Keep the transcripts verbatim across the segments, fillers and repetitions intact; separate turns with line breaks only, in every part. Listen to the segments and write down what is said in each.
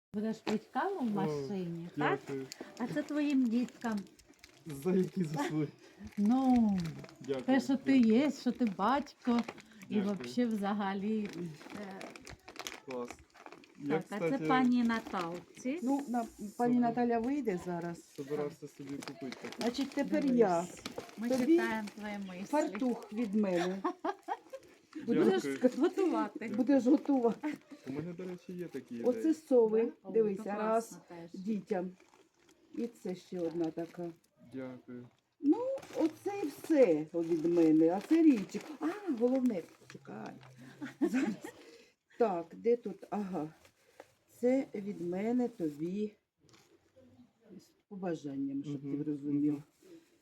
Будеш пити каву в машині, так?
Дякую.
А це твоїм діткам.
За які заслуги.
Ну,
Дякую.
те, що ти є, що ти батько, і
Дякую.
взагалі взагалі. е,
Клас. Я,
Так, а
кстати,
це пані Наталці.
Ну, на, пані
Супер.
Наталя вийде зараз.
собирався собі купити таке.
Значить, тепер
Дивись.
я.
Ми
тобі
читаємо твої мислі.
Фартух від мене.
Будеш
Дякую.
готувати.
Будеш готова.
У мене, до речі, є такі ідеї.
Оце сови.
О,
Дивися,
то
раз
класно теж.
дітям. І це ще одна така.
Дякую.
Ну, оце і все від мене. А це річик. А, головне, чекай. Зараз. Так, де тут? Ага. Це від мене тобі з побажанням, щоб
Мгм,
ти розумів.
мгм.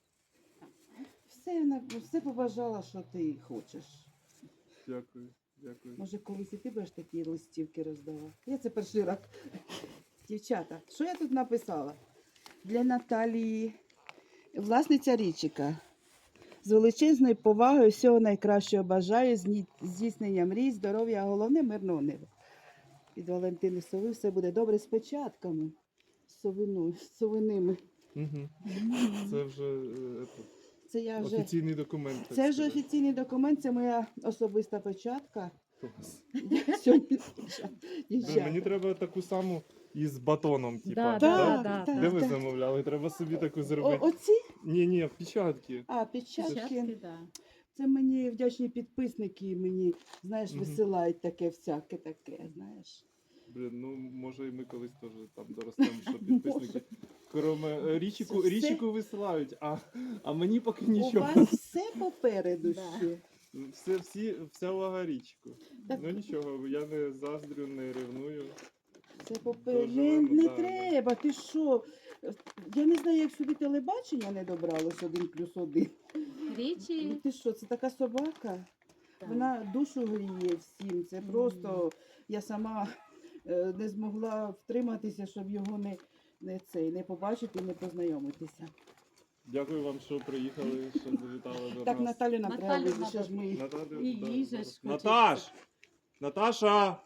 Все, на- все побажала, що ти хочеш.
Дякую. Дякую.
Може, колись і ти будеш такі листівки роздавати. Я це перший раз. Дівчата, що я тут написала? Для Наталії, власниця Річика. З величезною повагою всього найкращого бажаю, зні- здійснення мрій, здоров'я, а головне мирного неба. Від Валентини Сови все буде добре з печатками, з совиною, з совиними.
Угу. Це вже е, ето,
Це я вже.
офіційний документ. так
Це вже
сказати.
офіційний документ, це моя особиста печатка.
Клас.
Я сьогодні печатка.
Блін,
Дівчата.
Мені треба таку саму із батоном, типа.
Да,
Так,
да,
так,
Де ви
так.
замовляли? Треба собі таку
О,
зробити.
оці?
Ні, ні, печатки.
А, печатки.
Печатки, да.
Це мені вдячні підписники, мені, знаєш,
Мгм.
висилають таке всяке таке, знаєш.
Блін, ну може і ми колись теж там доростемо, що підписники. Кроме е, річику,
Це все?
річику висилають, а, а мені поки
У
нічого.
вас все попереду
Да.
ще.
Все, всі, вся увага річку.
Так.
Ну нічого, я не заздрю, не ревную.
Все попереду. Не,
Доживемо,
не
да,
треба, ти що? Я не знаю, як сюди телебачення не добралось один плюс один. Ну
Річі.
ти що, це така собака?
Так.
Вона душу гріє всім. Це просто я сама е, не змогла втриматися, щоб його не, не, цей, не побачити, не познайомитися.
Дякую вам, що приїхали, що завітали до
Так,
нас.
Наталю нам треба
Наталю
вийти, ще ж ми.
Наталю,
І
да,
їжа
зараз.
ж хочеться.
Наташ! Наташа!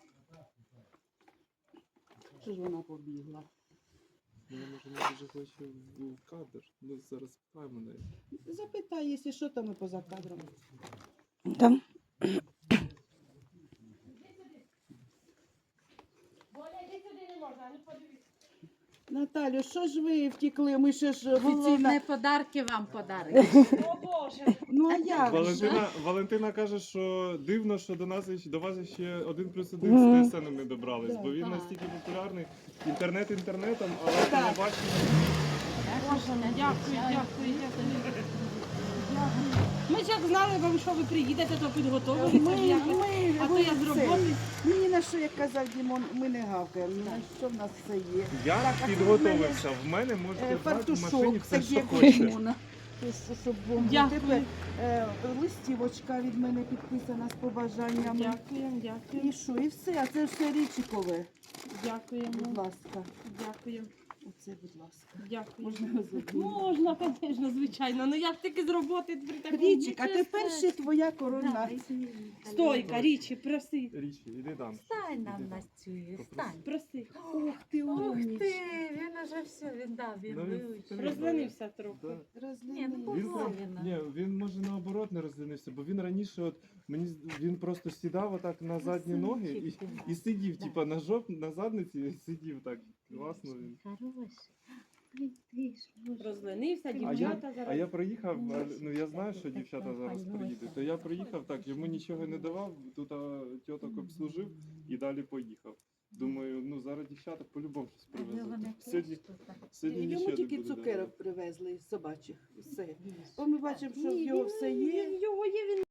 Що ж вона побігла?
Ну, Я може не дуже хочу в кадр. Ну зараз пхаємо неї.
Запитай, якщо що, там і поза кадром.
Там.
Наталю, що ж ви втекли? Ми ще ж офіційно.
Головне подарки вам подарили.
Ну а як же?
Валентина, Валентина каже, що дивно, що до нас іще- до вас ще один плюс один
Мгм.
з ТСН не добрались, бо він
Так.
настільки популярний. Інтернет інтернетом, але
Так.
телебачення.
Дякую, дякую, дякую. Ми ж як знали вам, що ви приїдете, то підготовилися.
Ми,
якось.
ми,
А то
ви
я з
це.
роботи.
Мені на що, як казав Дімон, ми не гавкаємо, на що в нас все є.
Я
Так, а це
підготовився. В мене
Е,
можете брати в
Фартушок,
машині все,
так
що
як у
хочете.
Дімона. Ти що, щоб бомбу.
Дякую.
Тепер е, листівочка від мене підписана з побажаннями.
Дякуємо, дякуємо,
І що, і все, а це все річикове. Будь
дякуємо,
ласка.
дякуємо,
Оце, будь ласка.
дякуємо.
Можна розуміти.
Можна, звісно, звичайно. Ну як тільки з роботи при такому.
Річик, а тепер ще твоя коронація.
Стойка, річі, проси,
Річі, іди там.
Стань нам
Іди.
на цю,
Попроси.
стань.
проси.
Ух ти,
Ух
умніч.
ти, він уже все, він дав, він
Ну, він
вивчив.
стрімно.
Розленився трохи.
Да.
Ні, ну,
Розлінився.
Він, прям-
Правильно.
ні, він може наоборот не розлінився, бо він раніше от мені з- він просто сідав отак на задні ноги і,
Красунчик ти
і сидів,
Да.
типа на жоп, на задниці і сидів так. Класно він.
Хороший. Ой, ти ж, Боже.
Розленився,
А я,
дівчата
а
зараз.
я приїхав, а,
Ой,
ну я знаю,
це
що
така
дівчата зараз
пальма.
приїдуть. То я приїхав так, йому нічого не давав, тут а, тьоток обслужив і далі поїхав. Думаю, ну зараз дівчата по-любому щось
Але
привезуть.
вони
Сьогодні,
теж тут, так.
сьогодні
Йому
нічого не
тільки
буде
цукерок
давати.
привезли собачих. Все.
Їж.
Бо ми бачимо, що в
Ні,
його
він-
все є.
він- Його є, він